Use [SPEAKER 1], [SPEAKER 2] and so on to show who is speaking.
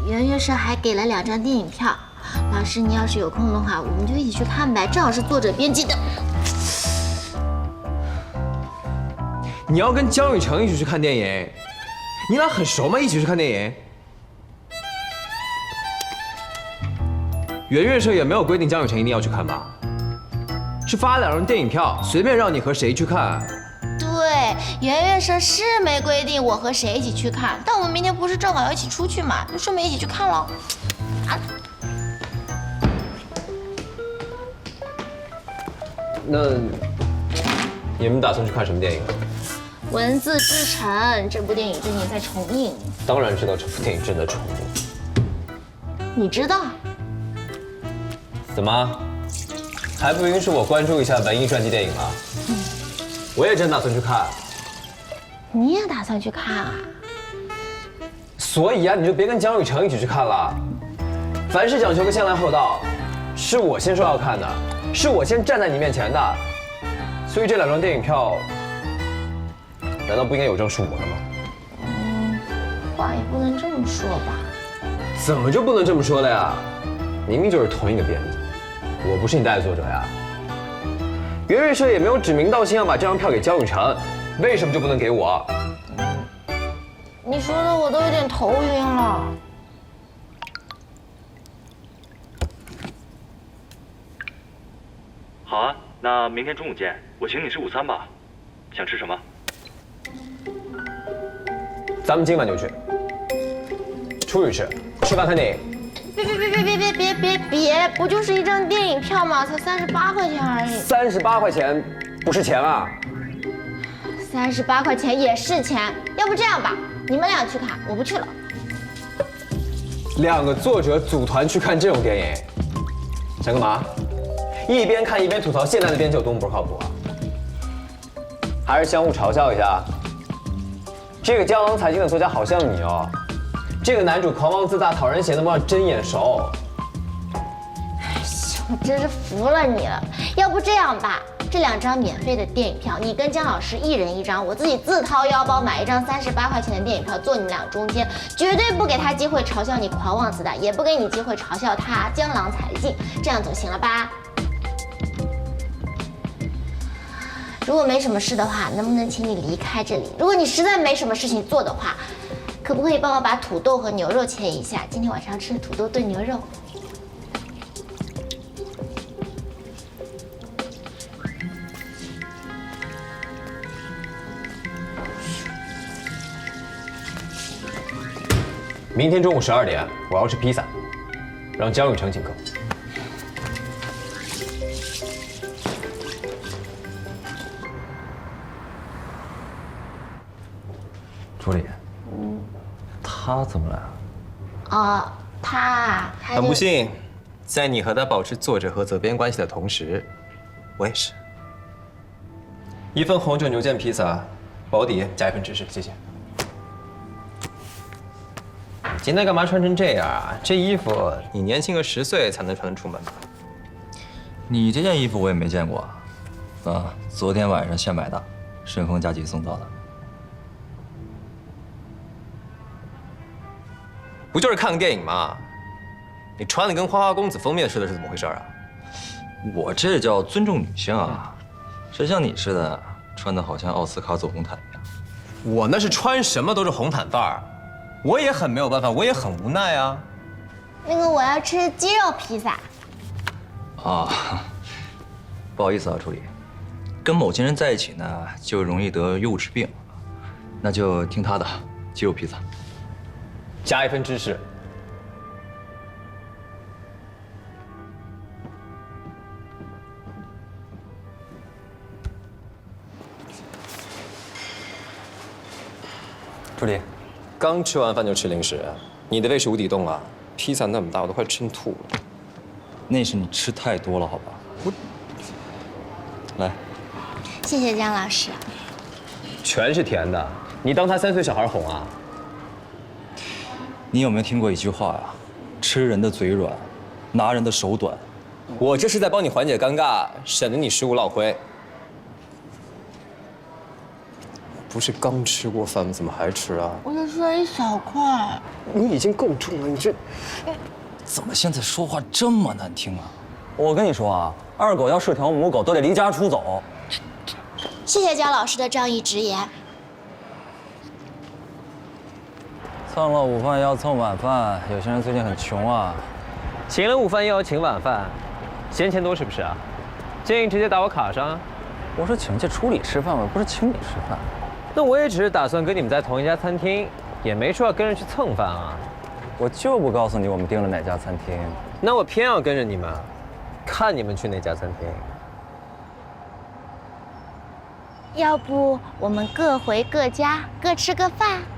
[SPEAKER 1] 圆月社还给了2张电影票，老师你要是有空的话，我们就一起去看呗，正好是作者编辑的。
[SPEAKER 2] 你要跟江雨成一起去看电影？你俩很熟吗？一起去看电影？圆月社也没有规定江雨成一定要去看吧？是发2张电影票，随便让你和谁去看。
[SPEAKER 1] 对，圆月社是没规定我和谁一起去看，但我们明天不是正好要一起出去嘛，就顺便一起去看喽。啊，
[SPEAKER 2] 那你们打算去看什么电影？
[SPEAKER 1] 《文字之城》这部电影最近在重映，
[SPEAKER 2] 当然知道这部电影正在重映。
[SPEAKER 1] 你知道？
[SPEAKER 2] 怎么，还不允许我关注一下文艺传记电影吗？我也真打算去看。
[SPEAKER 1] 你也打算去看啊？
[SPEAKER 2] 所以啊，你就别跟江雨成一起去看了。凡事讲究个先来后到，是我先说要看的，是我先站在你面前的，所以这2张电影票，难道不应该有张是我的吗？
[SPEAKER 1] 话也不能这么说吧。
[SPEAKER 2] 怎么就不能这么说了呀？明明就是同一个编辑，我不是你带的作者呀。圆月社也没有指名道姓要把这张票给江雨成，为什么就不能给我？
[SPEAKER 1] 你说的我都有点头晕了。
[SPEAKER 3] 好啊，那明天中午见，我请你吃午餐吧。想吃什么？
[SPEAKER 2] 咱们今晚就去，出去吃饭看电影。
[SPEAKER 1] 别，不就是一张电影票吗？才38块钱而已。
[SPEAKER 2] 38块钱不是钱啊
[SPEAKER 1] ！38块钱也是钱。要不这样吧，你们俩去看，我不去了。
[SPEAKER 2] 2个作者组团去看这种电影，想干嘛？一边看一边吐槽现在的编辑有多么不靠谱啊？还是相互嘲笑一下？这个江郎才尽的作家好像你哦。这个男主狂妄自大、讨人嫌的模样真眼熟。
[SPEAKER 1] 我真是服了你了。要不这样吧，这2张免费的电影票，你跟姜老师1人1张，我自己自掏腰包买1张38块钱的电影票，坐你们俩中间，绝对不给他机会嘲笑你狂妄自大，也不给你机会嘲笑他江郎才尽，这样总行了吧？如果没什么事的话，能不能请你离开这里？如果你实在没什么事情做的话，可不可以帮我把土豆和牛肉切一下？今天晚上吃土豆炖牛肉。
[SPEAKER 2] 明天中午12点，我要吃披萨，让江雨成请客。
[SPEAKER 4] 助理，他怎么来了？
[SPEAKER 1] 哦，他
[SPEAKER 2] 很不幸，在你和他保持作者和责编关系的同时，我也是。1份红酒牛腱披萨，保底加1份芝士，谢谢。今天干嘛穿成这样啊？这衣服你年轻个10岁才能穿得出门吧？
[SPEAKER 4] 你这件衣服我也没见过啊，昨天晚上现买的，顺丰加急送到的。
[SPEAKER 2] 不就是看个电影吗？你穿的跟花花公子封面似的，是怎么回事啊？
[SPEAKER 4] 我这叫尊重女性啊，谁像你似的穿的好像奥斯卡走红毯一样？
[SPEAKER 2] 我那是穿什么都是红毯范儿，我也很没有办法，我也很无奈啊。
[SPEAKER 1] 那个我要吃鸡肉披萨。
[SPEAKER 4] 啊，不好意思啊，助理，跟某些人在一起呢，就容易得幼稚病，那就听他的，鸡肉披萨，
[SPEAKER 2] 加1份芝士。助理，刚吃完饭就吃零食，你的胃是无底洞啊！披萨那么大，我都快撑吐了。
[SPEAKER 4] 那是你吃太多了，好吧？来，
[SPEAKER 1] 谢谢姜老师。
[SPEAKER 2] 全是甜的，你当他3岁小孩哄啊？
[SPEAKER 4] 你有没有听过一句话呀？吃人的嘴软，拿人的手短。
[SPEAKER 2] 我这是在帮你缓解尴尬，省得你食物落灰。
[SPEAKER 5] 不是刚吃过饭吗？怎么还吃啊？
[SPEAKER 1] 我就吃了一小块。
[SPEAKER 5] 你已经够重了，你这
[SPEAKER 4] 怎么现在说话这么难听啊？
[SPEAKER 2] 我跟你说啊，二狗要是条母狗，都得离家出走。
[SPEAKER 1] 谢谢姜老师的仗义直言。
[SPEAKER 6] 蹭了午饭要蹭晚饭，有些人最近很穷啊。
[SPEAKER 2] 请了午饭又要请晚饭，嫌钱多是不是啊？建议直接打我卡上啊。
[SPEAKER 6] 我是请去处理吃饭，我不是请你吃饭。
[SPEAKER 2] 那我也只是打算跟你们在同一家餐厅，也没说要跟着去蹭饭啊。
[SPEAKER 6] 我就不告诉你我们订了哪家餐厅。
[SPEAKER 2] 那我偏要跟着你们，看你们去哪家餐厅。
[SPEAKER 1] 要不我们各回各家，各吃个饭？